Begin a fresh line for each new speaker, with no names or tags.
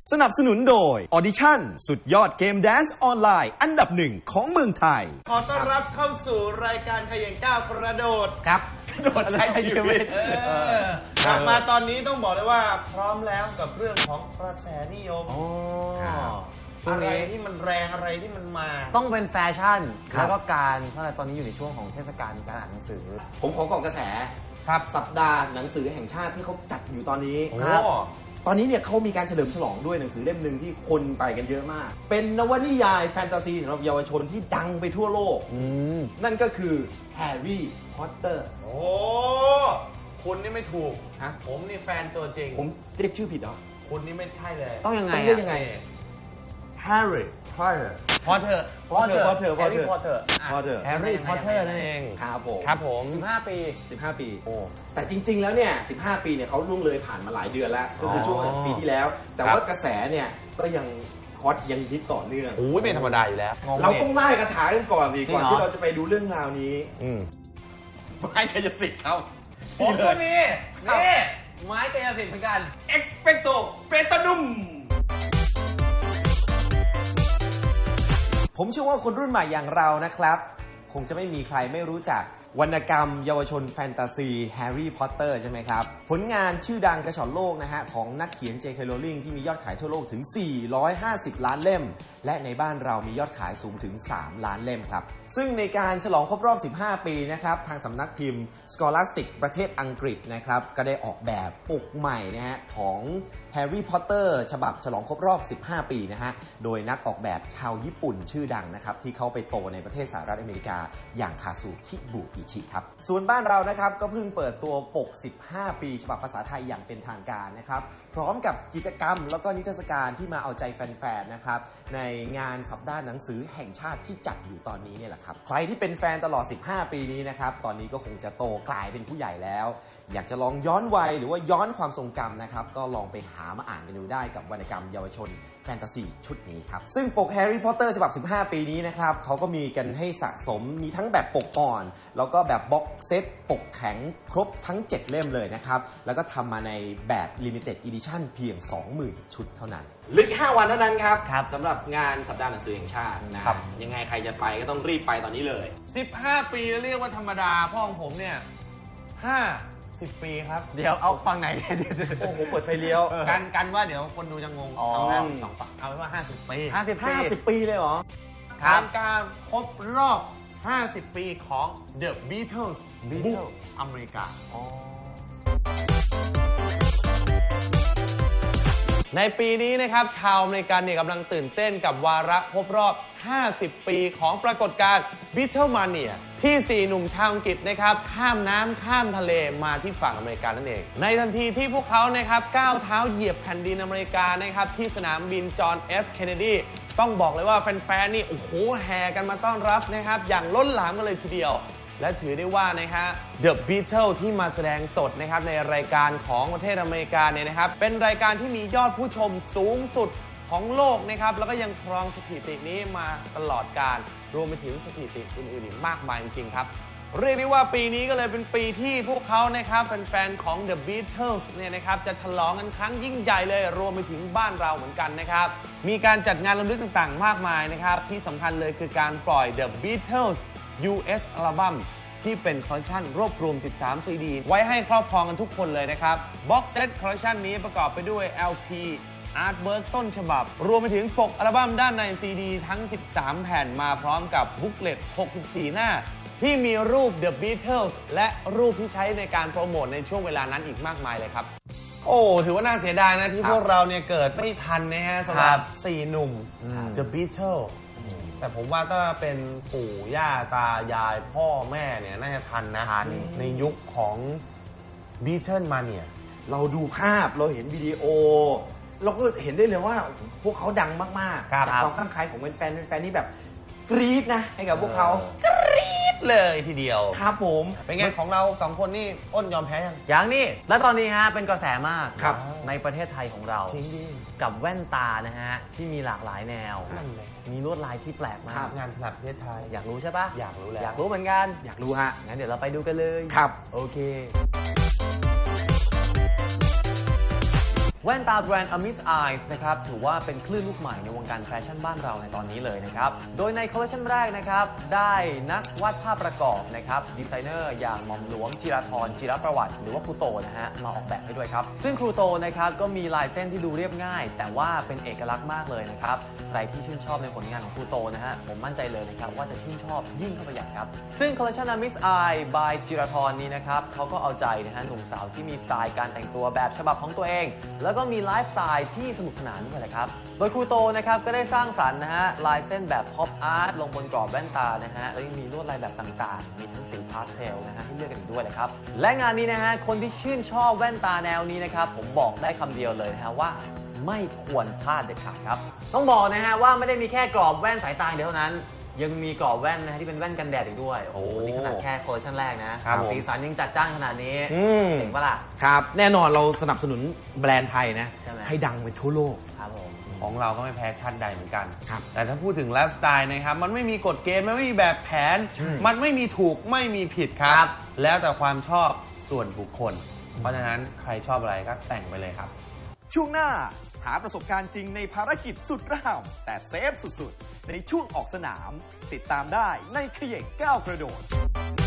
สนับสนุนโดย Audition สุดยอดเกมแดนซ์ออนไลน์อันดับหนึ่งของเมืองไทย
ขอต้อนรับเข้าสู่รายการเขย่งก้าวกระโดด
ครับ
กระโดดใช้ชีวิตกลับมาตอนนี้ต้องบอกเลยว่าพร้อมแล้วกับเรื่องของกระแสนิยมอะไรที่มันแรงอะไรที่มันมา
ต้องเป็นแฟชั่นแล้วก็การเพราะตอนนี้อยู่ในช่วงของเทศกาลการอ่านหนังสือ
ผมขอเกาะกระแสครับสัปดาห์หนังสือแห่งชาติที่เขาจัดอยู่ตอนนี้
ครับ
ตอนนี้เนี่ยเขามีการเฉลิมฉลองด้วยหนังสือเล่มหนึ่งที่คนไปกันเยอะมากเป็นนวนิยายแฟนตาซีสำหรับเยาวชนที่ดังไปทั่วโลกนั่นก็คือแฮร์รี่พอตเตอร์
โอ้คุณนี่ไม่ถูกผมนี่แฟนตัวจริง
ผมเรียกชื่อผิดเหรอ
คุณนี่ไม่ใช่เลย
ต้องยังไง
เรียกยังไง
แฮร์รี่พอตเตอร์
พอตเตอร์แฮร์รี่พอตเตอร์นั่นเอง
ครับผม
15 ปี
โอ้แต่จริงๆแล้วเนี่ย15 ปีเนี่ยเขาล่วงเลยผ่านมาหลายเดือนแล้วก็คือช่วงปีที่แล้วแต่ว่ากระแสเนี่ยก็ยังฮอตยังฮิตต่อเนื่อง
โอ้ยเป็นธรรมดาอยู่แล้ว
เราต้องไล่คาถากันก่อนดีก่อนที่เราจะไปดูเรื่องราวนี้
ไม่กายสิทธิ์เขา
ผมก็มีนี่ไม้กายสิทธิ์เหมือนกัน
Expecto Patronum
ผมเชื่อว่าคนรุ่นใหม่อย่างเรานะครับคงจะไม่มีใครไม่รู้จักวรรณกรรมเยาวชนแฟนตาซีแฮร์รี่พอตเตอร์ใช่ไหมครับผลงานชื่อดังกระฉ่อนโลกนะฮะของนักเขียน J.K. Rowling ที่มียอดขายทั่วโลกถึง450ล้านเล่มและในบ้านเรามียอดขายสูงถึง3ล้านเล่มครับซึ่งในการฉลองครบรอบ15 ปีนะครับทางสำนักพิมพ์ Scholastic ประเทศอังกฤษนะครับก็ได้ออกแบบปกใหม่นะฮะของแฮร์รี่พอตเตอร์ฉบับฉลองครบรอบ15 ปีนะฮะโดยนักออกแบบชาวญี่ปุ่นชื่อดังนะครับที่เขาไปโตในประเทศสหรัฐอเมริกาอย่างคาซูคิบุอิชิครับส่วนบ้านเรานะครับก็เพิ่งเปิดตัวปก15 ปีฉบับภาษาไทยอย่างเป็นทางการนะครับพร้อมกับกิจกรรมแล้วก็นิทรรศการที่มาเอาใจแฟนๆนะครับในงานสัปดาห์หนังสือแห่งชาติที่จัดอยู่ตอนนี้เนี่ยแหละครับใครที่เป็นแฟนตลอด15 ปีนี้นะครับตอนนี้ก็คงจะโตกลายเป็นผู้ใหญ่แล้วอยากจะลองย้อนวัยหรือว่าย้อนความทรงจำนะครับก็ลองไปหามาอ่านกันดูได้กับวรรณกรรมเยาวชนแฟนตาซีชุดนี้ครับซึ่งปกแฮร์รี่พอตเตอร์ฉบับ15 ปีนี้นะครับเขาก็มีกันให้สะสมมีทั้งแบบปกอ่อนแล้วก็แบบบ็อกเซตปกแข็งครบทั้ง7เล่มเลยนะครับแล้วก็ทำมาในแบบ Limited Edition เพียง 20,000 ชุดเท่านั้นเหลือ5 วันเท่านั้นครับสำหรับงานสัปดาห์หนังสือแห่งชาตินะครับยังไงใครจะไปก็ต้องรีบไปตอนนี้เลย
15 ปีเรียกว่าธรรมดาพ่อของผมเนี่ย50 ปีครับ
เดี๋ยวเอาฟังไหน
โอ้โหเปิดไฟเลี้ยว
กันว่าเดี๋ยวคนดูจะงงเอาแค่2ฝั่งเอาเป็นว่า50 ปี
50 ปีเลยเหรอ
การครบรอบ 50 ปีของ The Beatles บุกอเมริกาในปีนี้นะครับชาวอเมริกันเนี่ยกำลังตื่นเต้นกับวาระครบรอบ50 ปีของปรากฏการณ์ Beatlemania ที่4หนุ่มชาวอังกฤษนะครับข้ามน้ำข้ามทะเลมาที่ฝั่งอเมริกานั่นเองในทันทีที่พวกเขานะครับก้าวเท้าเหยียบแผ่นดินอเมริกานะครับที่สนามบินจอห์น F. Kennedy ต้องบอกเลยว่าแฟนๆนี่โอ้โหแห่กันมาต้อนรับนะครับอย่างล้นหลามกันเลยทีเดียวและถือได้ว่านะฮะ The Beatles ที่มาแสดงสดนะครับในรายการของประเทศอเมริกาเนี่ยนะครับเป็นรายการที่มียอดผู้ชมสูงสุดของโลกนะครับแล้วก็ยังครองสถิตินี้มาตลอดกาลรวมไปถึงสถิติอื่นๆอีกมากมายจริงๆครับเรียกได้ว่าปีนี้ก็เลยเป็นปีที่พวกเขานะครับแฟนๆของ The Beatles เนี่ยนะครับจะฉลองกันครั้งยิ่งใหญ่เลยรวมไปถึงบ้านเราเหมือนกันนะครับมีการจัดงานรำลึกต่างๆมากมายนะครับที่สำคัญเลยคือการปล่อย The Beatles US อัลบั้มที่เป็นคอลเลคชันรวบรวม13 CD ไว้ให้ครอบครองกันทุกคนเลยนะครับบ็อกเซตคอลเลคชันนี้ประกอบไปด้วย LPอาร์ตเวิร์กต้นฉบับรวมไปถึงปกอัลบั้มด้านใน CD ทั้ง13 แผ่นมาพร้อมกับบุ๊กเลต64 หน้าที่มีรูป The Beatles และรูปที่ใช้ในการโปรโมทในช่วงเวลานั้นอีกมากมายเลยครับโอ้ถือว่าน่าเสียดายนะที่พวกเราเนี่ยเกิดไม่ทันนะฮะสำหรับ4หนุ่ม The Beatles แต่ผมว่าถ้าเป็นปู่ย่าตายายพ่อแม่เนี่ยน่าจะทันนะในยุคของ Beatlemania
เราดูภาพเราเห็นวิดีโอเราก็เห็นได้เลยว่าพวกเขาดังมากๆจากความข้างใครของแฟนนี่แบบกรี๊ดนะให้กับพวกเขา
กรี๊ดเลยทีเดียว
ครับผม
เป็นไงของเรา2 คนนี่อ้นยอมแพ้ยัง
อย่างนี้และตอนนี้ฮะเป็นกระแสมากในประเทศไทยของเรากับแว่นตานะฮะที่มีหลากหลายแนวมีลวดลายที่แปลกมาก
งานถนัดประเทศไทย
อยากรู้ใช่ปะ
อยากรู้แล้ว
อยากรู้เหมือนกัน
อยากรู้ฮะ
งั้นเดี๋ยวเราไปดูกันเลย
ครับ
โอเคแว่นตาแบรนด์ Amiss Eyes นะครับถือว่าเป็นคลื่นลูกใหม่ในวงการแฟชั่นบ้านเราในตอนนี้เลยนะครับโดยในคอลเลคชันแรกนะครับได้นักวาดภาพประกอบนะครับดีไซเนอร์อย่างหม่อมหลวงจิราธรจิรประวัติหรือว่าครูโตนะฮะมาออกแบบให้ด้วยครับซึ่งครูโตนะครับก็มีลายเส้นที่ดูเรียบง่ายแต่ว่าเป็นเอกลักษณ์มากเลยนะครับใครที่ชื่นชอบในผลงานของครูโตนะฮะผมมั่นใจเลยนะครับว่าจะชื่นชอบยิ่งเข้าไปใหญ่ครับซึ่งคอลเลคชัน Amiss Eyes by จิราธรนี้นะครับเขาก็เอาใจนะฮะหนุ่มสาวที่มีสไตล์การแต่งตัวแบบฉบับของตัวเองแล้วก็มีไลฟ์สไตล์ที่สนุกสนานด้วยนะครับโดยครูโตนะครับก็ได้สร้างสรรค์นะฮะลายเส้นแบบพ็อปอาร์ตลงบนกรอบแว่นตานะฮะแล้วยังมีลวดลายแบบต่างๆมีทั้งสีพาสเทลนะฮะให้เลือกกันอีกด้วยนะครับและงานนี้นะฮะคนที่ชื่นชอบแว่นตาแนวนี้นะครับผมบอกได้คำเดียวเลยนะฮะว่าไม่ควรพลาดเด็ดขาดครับต้องบอกนะฮะว่าไม่ได้มีแค่กรอบแว่นสายตาเดียวเท่านั้นยังมีกรอบแว่นนะฮะที่เป็นแว่นกันแดดอีกด้วยโอ้โหนี่ขนาดแค่คอลเลคชันแรกนะครับสีสันยังจัดจ้านขนาดนี้เจ๋งปะล่ะ
ครับแน่นอนเราสนับสนุนแบรนด์ไทยนะ ให้ดังไปทั่วโลก
ครับผม
ของเราก็ไม่แพ้ชาติใดเหมือนกัน
ครับ
แต่ถ้าพูดถึงไลฟ์สไตล์นะครับมันไม่มีกฎเกณฑ์มันไม่มีแบบแผนมันไม่มีถูกไม่มีผิดครับแล้วแต่ความชอบส่วนบุคคลเพราะฉะนั้นใครชอบอะไรก็แต่งไปเลยครับ
ช่วงหน้าหาประสบการณ์จริงในภารกิจสุดระห่ำแต่เซฟสุดๆในช่วงออกสนามติดตามได้ในเขย่งก้าวกระโดด